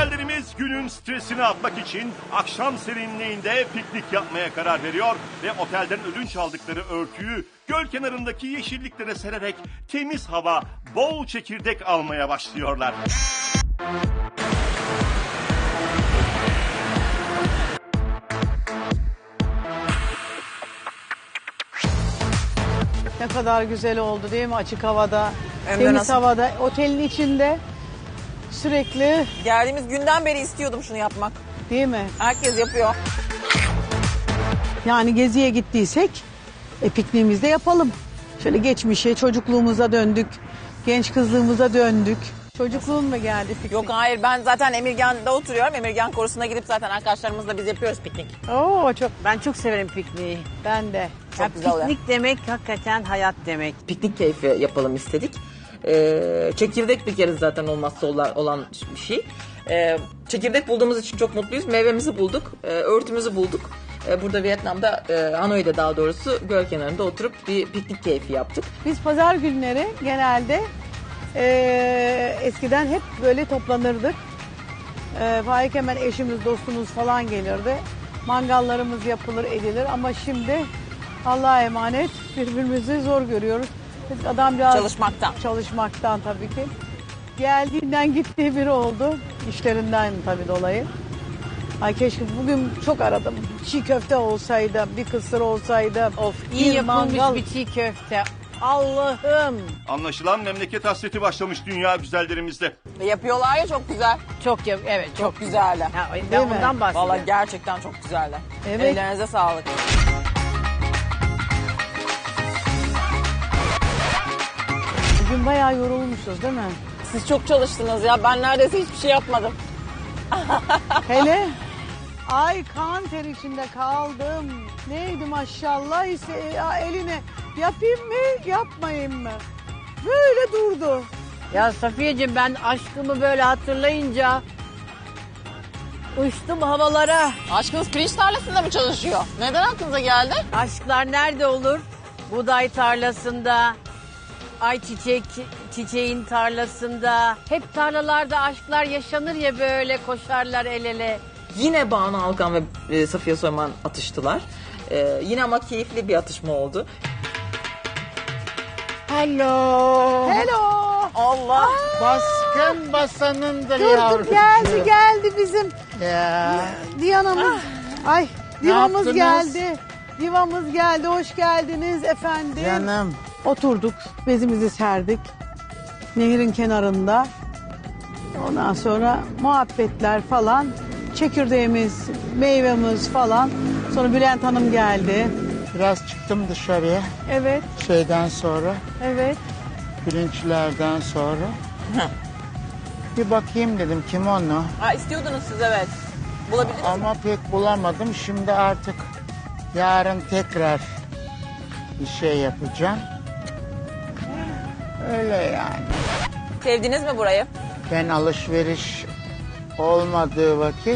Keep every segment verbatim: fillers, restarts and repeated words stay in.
Güzellerimiz günün stresini atmak için akşam serinliğinde piknik yapmaya karar veriyor ve otelden ödünç aldıkları örtüyü göl kenarındaki yeşilliklere sererek temiz hava, bol çekirdek almaya başlıyorlar. Ne kadar güzel oldu değil mi açık havada, Hem de temiz nasıl? havada, otelin içinde sürekli Geldiğimiz günden beri istiyordum şunu yapmak. değil mi? Herkes yapıyor. Yani geziye gittiysek e, pikniğimizi de yapalım. Şöyle geçmişe, çocukluğumuza döndük, genç kızlığımıza döndük. Çocukluğun mu geldi piknik? Yok hayır, ben zaten Emirgan'da oturuyorum. Emirgan korusuna gidip zaten arkadaşlarımızla biz yapıyoruz piknik. Oo çok, Ben çok severim pikniği. ben de. Çok Ya güzel oluyor. piknik demek hakikaten hayat demek. Piknik keyfi yapalım istedik. Ee, çekirdek bir kere zaten olmazsa olan, olan bir şey. Ee, çekirdek bulduğumuz için çok mutluyuz. Meyvemizi bulduk, e, örtümüzü bulduk. E, burada Vietnam'da, e, Hanoi'de daha doğrusu göl kenarında oturup bir piknik keyfi yaptık. Biz pazar günleri genelde e, eskiden hep böyle toplanırdık. E, Faik hemen eşimiz, dostumuz falan gelirdi. Mangallarımız yapılır, edilir ama şimdi Allah'a emanet birbirimizi zor görüyoruz. Biz adamcağız Çalışmaktan. çalışmaktan tabii ki. Geldiğinden gittiği biri oldu. İşlerinden tabii dolayı. Ay keşke bugün çok aradım. Çiğ köfte olsaydı, bir kısır olsaydı. Of iyi bir yapılmış mangal. bir çiğ köfte. Allah'ım. Anlaşılan memleket hasreti başlamış dünya güzellerimizde. Ve yapıyorlar ya, çok güzel. Çok yap evet çok, Çok güzeller. Ha, Değil ben mi? ondan bahsediyorum. Vallahi gerçekten çok güzeller. Evet. Ellerinize sağlık. Bugün bayağı yorulmuşuz değil mi? Siz çok çalıştınız ya. Ben neredeyse hiçbir şey yapmadım. Hele ay kan ter içinde kaldım. Neydi maşallah ise ya eline yapayım mı yapmayayım mı? Böyle durdu. Ya Safiyeciğim ben aşkımı böyle hatırlayınca uçtum havalara. Aşkınız pirinç tarlasında mı çalışıyor? Neden aklınıza geldi? Aşklar nerede olur? Buğday tarlasında, ayçiçek çiçeğin tarlasında. Hep tarlalarda aşklar yaşanır ya, böyle koşarlar el ele. Yine Banu Alkan ve e, Safiye Soyman atıştılar. E, yine ama keyifli bir atışma oldu. Hello. Hello. Allah! Baskın basanındır Dur dur yavrucuğum. geldi geldi bizim Ya. Diyana'mız. Ay divamız yaptınız? geldi. Divamız geldi. Hoş geldiniz efendim. Canım. Oturduk, bezimizi serdik. Nehrin kenarında. Ondan sonra muhabbetler falan. Çekirdeğimiz, meyvemiz falan. Sonra Bülent Hanım geldi. Biraz çıktım dışarıya Evet, şeyden sonra, evet. pirinçlerden sonra. Bir bakayım dedim kim onu. Ha, istiyordunuz siz, evet. Bulabildiniz mi? Ama pek bulamadım. Şimdi artık yarın tekrar bir şey yapacağım. Öyle yani. Sevdiniz mi burayı? Ben alışveriş olmadığı vakit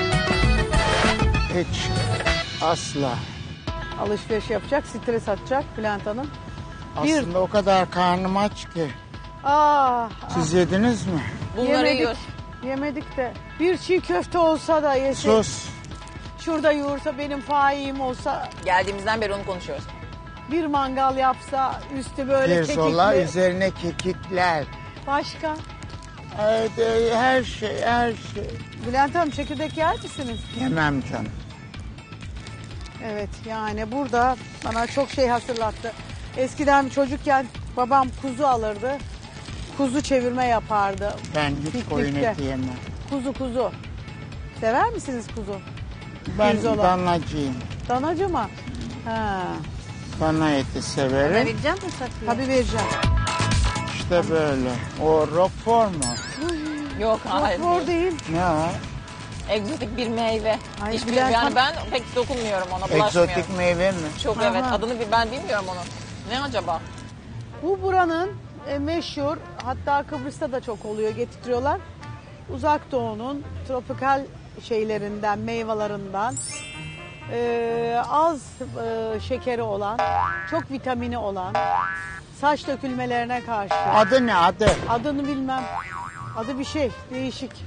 hiç asla. Alışveriş yapacak, stres atacak Bülent Hanım. Bir- Aslında o kadar karnım aç ki. Ah, Siz yediniz mi? Bunları yemedik, yiyoruz. yemedik de. Bir çiğ köfte olsa da yesek. Sus. Şurada yoğursa, benim faim olsa, Geldiğimizden beri onu konuşuyoruz. bir mangal yapsa, üstü böyle Pirzola kekikli. üzerine kekikler. Başka? Haydi, her şey her şey. Bülent Hanım çekirdek yer misiniz? Yemem canım. Evet yani burada bana çok şey hatırlattı. Eskiden çocukken babam kuzu alırdı. Kuzu çevirme yapardı. Ben hiç Piknikte. koyun eti yemem. Kuzu kuzu. Sever misiniz kuzu? Ben Pirzola. danacıyım. Danacı mı? Ha. Dana eti severim. Vereceğim mi Safiye? Tabii vereceğim. İşte böyle. O roquefort mu? Yok, hayır. Roquefort değil. Ne o? Egzotik bir meyve. Ay, Hiç Bülent bilmiyorum. Yani Hanım- ben pek dokunmuyorum ona, bulaşmıyorum. Egzotik meyve mi? Çok Aha. evet. Adını bir- ben bilmiyorum onu. Ne acaba? Bu buranın e, meşhur, hatta Kıbrıs'ta da çok oluyor, getiriyorlar. Uzak Doğu'nun tropikal şeylerinden, meyvelerinden e, az e, şekeri olan, çok vitamini olan, saç dökülmelerine karşı. Adı ne adı? Adını bilmem. Adı bir şey, değişik.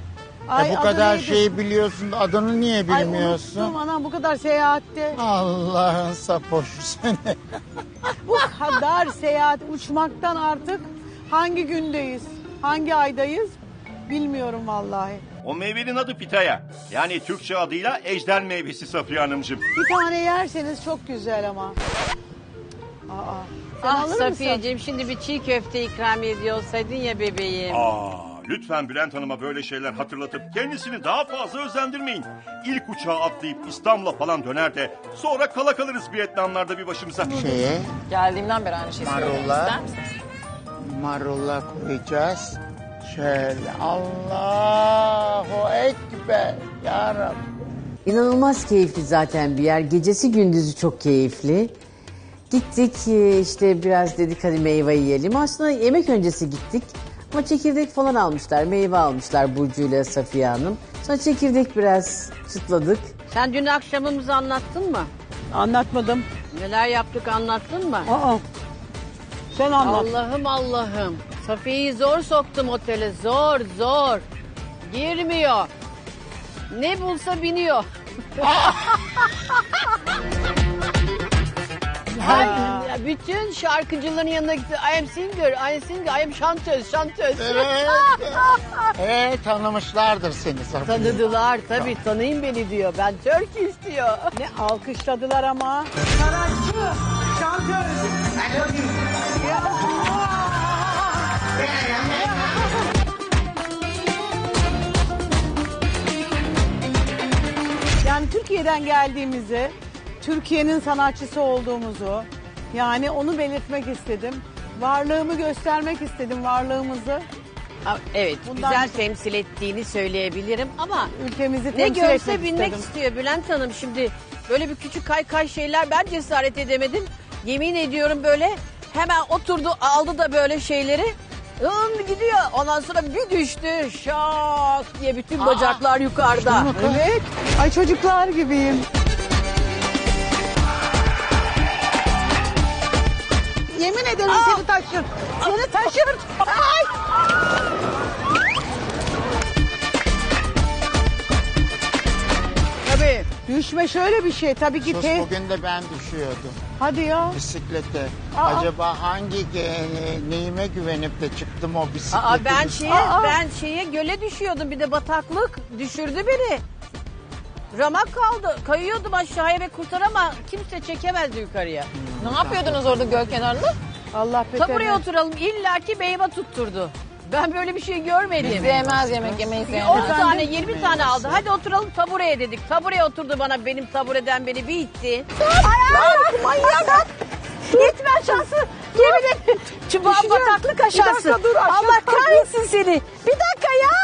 Ay, E bu adı kadar neydi? şeyi biliyorsun, adını niye Ay bilmiyorsun? unuttum anam bu kadar seyahatte. Allah'ın sapoşu seni. Bu kadar seyahat uçmaktan artık hangi gündeyiz? Hangi aydayız? Bilmiyorum vallahi. O meyvenin adı pitaya. Yani Türkçe adıyla ejder meyvesi Safiye Hanımcığım. Bir tane yerseniz çok güzel ama. Aa, sen Ah alır mısın? Safiyeciğim şimdi bir çiğ köfte ikram ediyor olsaydın ya bebeğim. Aa, lütfen Bülent Hanım'a böyle şeyler hatırlatıp kendisini daha fazla özendirmeyin. İlk uçağa atlayıp İstanbul'a falan döner de sonra kala kalırız Vietnamlarda bir başımıza. Şeye Geldiğimden beri aynı şeyi söylüyorum. Marullar. İster misiniz? marullar koyacağız. Şöyle Allahu Ekber ya Rabbi. İnanılmaz keyifli zaten bir yer. Gecesi gündüzü çok keyifli. Gittik e, işte biraz dedik hadi meyve yiyelim. Aslında yemek öncesi gittik. Ama çekirdek falan almışlar. Meyve almışlar Burcu ile Safiye Hanım. Sonra çekirdek biraz çıtladık. Sen dün akşamımızı anlattın mı? Anlatmadım. Neler yaptık anlattın mı? Aa. Sen anlat. Allah'ım Allah'ım. Safiye'yi zor soktum otele. Zor zor. Girmiyor. Ne bulsa biniyor. Her, ya bütün şarkıcıların yanına gitti. I am singer, I am singer, I am şantöz, şantöz. Evet. e, tanımışlardır seni Safiye. Tanıdılar tabii, tanıyın beni diyor. Ben Türk istiyor. Ne alkışladılar ama. Sanatçı, şantör. Yani Türkiye'den geldiğimizi, Türkiye'nin sanatçısı olduğumuzu, yani onu belirtmek istedim. Varlığımı göstermek istedim, varlığımızı. Ha, Evet, Bundan- güzel temsil ettiğini söyleyebilirim ama Ülkemizi ne temsil görse etmek binmek istedim. istiyor Bülent Hanım. Şimdi böyle bir küçük kaykay şeyler ben cesaret edemedim. Yemin ediyorum böyle hemen oturdu aldı da böyle şeyleri. Hım gidiyor. Ondan sonra bir düştü. Şak diye bütün bacaklar yukarıda. Evet. Ay çocuklar gibiyim. Yemin ederim seni taşır. Seni taşır. Ay. Tabii. Düşme şöyle bir şey. Tabii ki Sus, te... bugün de ben düşüyordum Hadi ya. bisiklete. Aa. Acaba hangi ge- neyime güvenip de çıktım o bisikleti? Aa, ben şeye Aa. ben şeye göle düşüyordum bir de bataklık düşürdü beni. Ramak kaldı. Kayıyordum aşağıya ve kurtarama kimse çekemezdi yukarıya. Ne yapıyordunuz orada göl kenarında? Allah Ta buraya beter. oturalım illaki meyve tutturdu. Ben böyle bir şey görmedim. Sevmez yemek yemeyi on sevmez. tane yirmi tane aldı. Hadi oturalım tabureye dedik. Tabureye oturdu bana benim tabureden beni bir itti. Ay manyak. Gitme aşağısı. Yemin ederim. Çubuğa bataklık aşağısı. Bir dakika dur, aşağı Allah kalk. kahretsin seni. Bir dakika ya.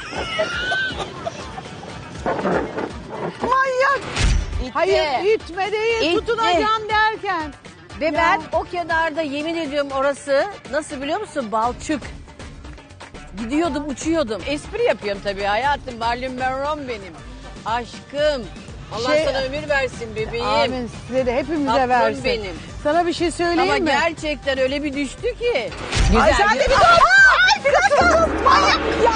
Manyak. Hayır itme değil İtti. tutunacağım derken. Ve Ya. ben o kenarda yemin ediyorum orası nasıl biliyor musun? Balçık. Gidiyordum uçuyordum. Espri yapıyorum tabii hayatım. Marilyn Monroe benim. Aşkım. Allah Şey- sana ömür versin bebeğim. Amin size de hepimize Tatlım versin. benim. Sana bir şey söyleyeyim Ama mi? gerçekten öyle bir düştü ki. Ay sen de bir dur. Ay bir dakika. Manyak ya.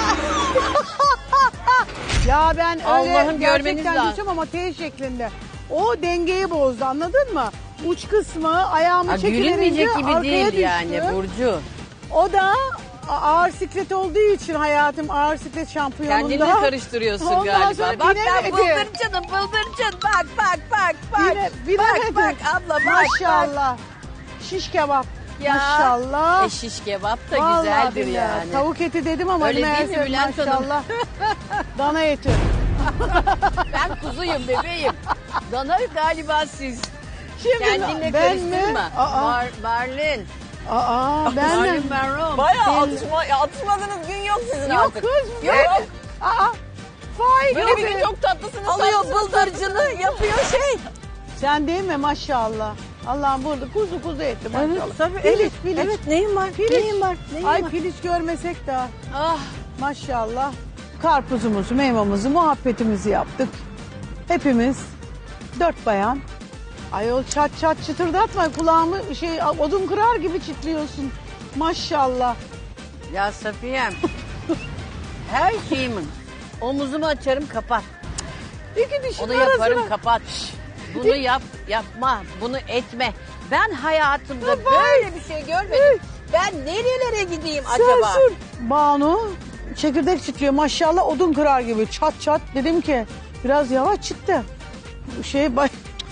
Ya ben öyle Allah'ım görmeniz gerçekten lazım. düştüm ama T şeklinde. O dengeyi bozdu anladın mı? Uç kısmı ayağımı Ha, çekiverince gülünmeyecek gibi arkaya değil düştü. yani Burcu. O da a- ağır siklet olduğu için hayatım ağır siklet şampiyonunda. Kendini de karıştırıyorsun Ondan galiba. sonra Bak ben binemedi. bıldırcınım bıldırcın. Bak bak bak bak. Bine, binemedi. Bak bak abla bak bak. Maşallah. Şiş kebap. Ya. Maşallah. E şiş kebap da Vallahi güzeldir billahi. yani. Tavuk eti dedim ama Öyle değil mi meğerse Bülent Hanım? maşallah. Dana eti. Ben kuzuyum bebeğim. Dana galiba siz. Şimdi Kendinle ben mi? karıştırma. Aa, Bar, Barlin. aa ben mi? Marilyn Monroe. Bayağı atışma, ya atışmadığınız gün yok sizin Yok artık. kız. Yok. Evet. Aa, fail Böyle yok. bir gün çok tatlısınız. Alıyor tatlısınız, bıldırcını yapıyor şey. Sen değil mi maşallah? Allah'ım burada kuzu kuzu etti maşallah. Evet, tabii, Filiz, evet, Filiz. evet, neyim var, Filiz. neyim var, neyim Ay var? Filiz görmesek de Ah. maşallah. Karpuzumuzu, meyvamızı, muhabbetimizi yaptık. Hepimiz dört bayan. Ayol çat çat çıtırdatma kulağımı şey odun kırar gibi çitliyorsun. Maşallah. Ya Safiye'm. Her şeyimin Omuzumu açarım kapar. İki dişin Onu arasına. yaparım kapat. Bunu yap yapma. Bunu etme. Ben hayatımda böyle bir şey görmedim. Ben nerelere gideyim acaba? Sür, sür. Banu çekirdek çitliyor. Maşallah odun kırar gibi. Çat çat. Dedim ki biraz yavaş çitle. Şey bay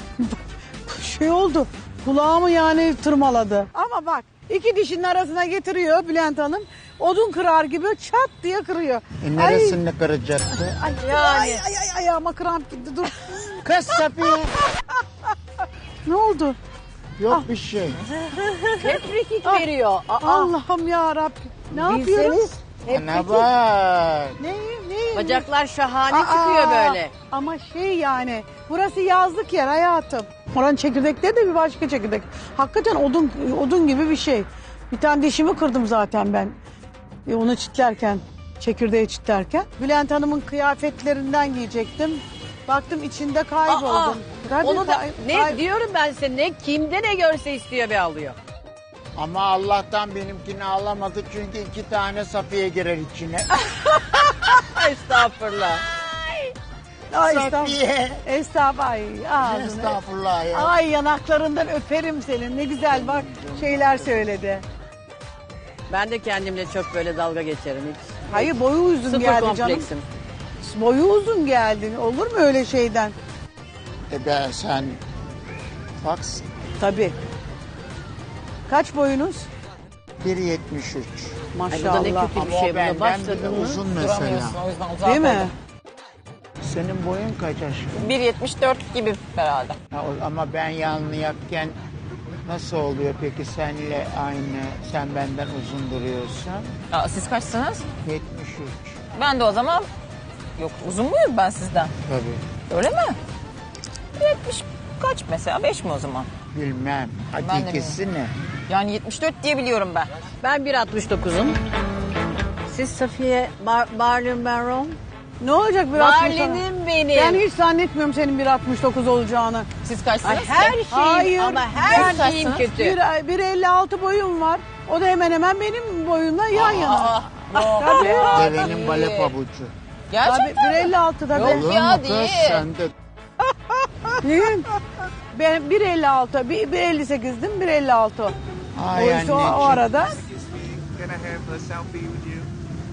şey oldu. Kulağımı yani tırmaladı. Ama bak iki dişinin arasına getiriyor Bülent Hanım. Odun kırar gibi çat diye kırıyor. E neresini kıracaktı? Ay, Yani. ay, ay, ay, ayağıma kramp girdi. Dur. Kız Safiye. Ne oldu? Yok bir şey. Hep frikik veriyor. Aa, Allah'ım ya Rabbim. Ne yapıyoruz? bilseniz hep Ana frikik. bak. Ne, ne? Bacaklar şahane Aa, çıkıyor böyle. Ama şey yani burası yazlık yer hayatım. Oranın çekirdekleri de bir başka çekirdek. Hakikaten odun odun gibi bir şey. Bir tane dişimi kırdım zaten ben. E, onu çitlerken, çekirdeği çitlerken. Bülent Hanım'ın kıyafetlerinden giyecektim. Baktım içinde kayboldum. Aa, Tabii onu da kay- ne kay- diyorum ben size, ne kimde ne görse istiyor bir alıyor. Ama Allah'tan benimkini alamadı çünkü iki tane Safiye girer içine. Estağfurullah. Ay, estağfurullah. Safiye. Estağfurullah. Ay, ağzını. Estağfurullah ya. Ay yanaklarından öperim senin. Ne güzel bak şeyler söyledi. Ben de kendimle çok böyle dalga geçerim hiç. Hayır boyu uzun Sıfır geldi canım. kompleksim. Boyu uzun geldi. Olur mu öyle şeyden? E ben sen baksın. Tabii. Kaç boyunuz? bir yetmiş üç. Ay bu da ne Maşallah. kötü bir Ama şey. o Buna benden bile başladın mı? uzun mesela. Duramıyorsun o yüzden uzak Değil mi? koydum. Senin boyun kaç aşkım? bir yetmiş dört gibi herhalde. Ha, o- ama ben yanlayakken nasıl oluyor peki senle aynı, sen benden uzun duruyorsun? Aa, siz kaçsınız? yetmiş üç. Ben de o zaman... Yok uzun muyum ben sizden? Tabii. Öyle mi? yetmiş kaç mesela? beş mi o zaman? Bilmem. Ben de Hakikisi ne? Yani yetmiş dört diye biliyorum ben. Ben bir altmış dokuzum. Siz Safiye Bar Barley Baron. Ne olacak bir altmış sonra? Barley'nim benim. Ben hiç zannetmiyorum senin bir altmış dokuz olacağını. Siz kaçsınız? Ay, her şeyim Hayır, ama her ben- şeyim kötü. Bir, bir elli altı boyum var. O da hemen hemen benim boyumla yan yana. Tabii. Devenin bale pabucu. Tabii Gerçekten bir elli altı da Yok ben. Olur ya, mu kız? değil. Sen de Neyim? Ben bir elli altı, bir, bir elli sekizdim, bir elli altı. O Ay işte o, o anneciğim. arada. Can I have a selfie with you?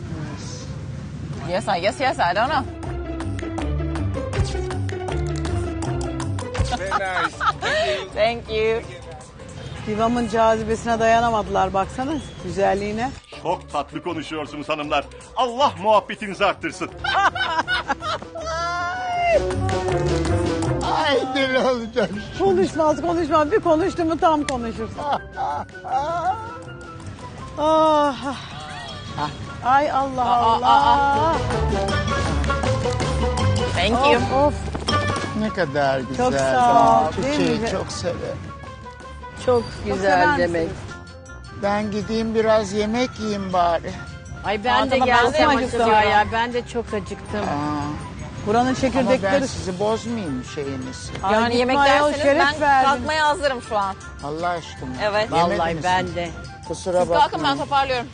Yes, I, yes, yes, I don't know. Very nice. Thank you. Divamın cazibesine dayanamadılar baksana güzelliğine. Çok tatlı konuşuyorsunuz hanımlar. Allah muhabbetinizi arttırsın. Ay deli olacak. Konuşmaz konuşmaz bir konuştu mu tam konuşur. Ah. Ay Allah Allah. Thank you. Of of. Ne kadar güzel. Çok sağ ol, Ben değil çiçeği mi? çok severim. Çok sever güzel demek. misiniz? Ben gideyim biraz yemek yiyeyim bari. Ay ben Aa, de tamam, ben de gelsem yemek acaba istiyorum. ya. Ben de çok acıktım. Aa, Buranın ama çekirdekleri. ben sizi bozmayayım şeyinizi. Ay, Yani gitme yemek ayol, derseniz şeref ben verdin. kalkmaya hazırım şu an. Allah aşkına. Evet. Yemedi Vallahi misin? ben de. Kusura Siz kalkın ben bakmayın. toparlıyorum.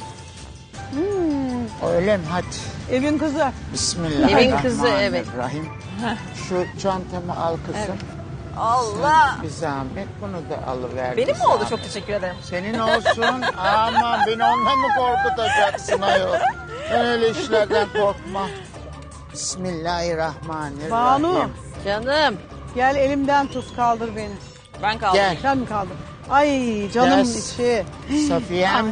Öyle mi? Hadi. Evin kızı. Bismillahirrahmanirrahim. Evin kızı, evet. Şu çantamı al kızım. Allah. Bir zahmet bunu da alıver. Benim bir mi oldu? zahmet. Çok teşekkür ederim. Senin olsun. Aman beni ondan mı korkutacaksın ayol? Ben öyle işlerden korkmam. Bismillahirrahmanirrahim. Banu Canım. gel elimden tut kaldır beni. Ben kaldım. Gel. Sen mi kaldın? Ay canım Yes. içi. Safiye'm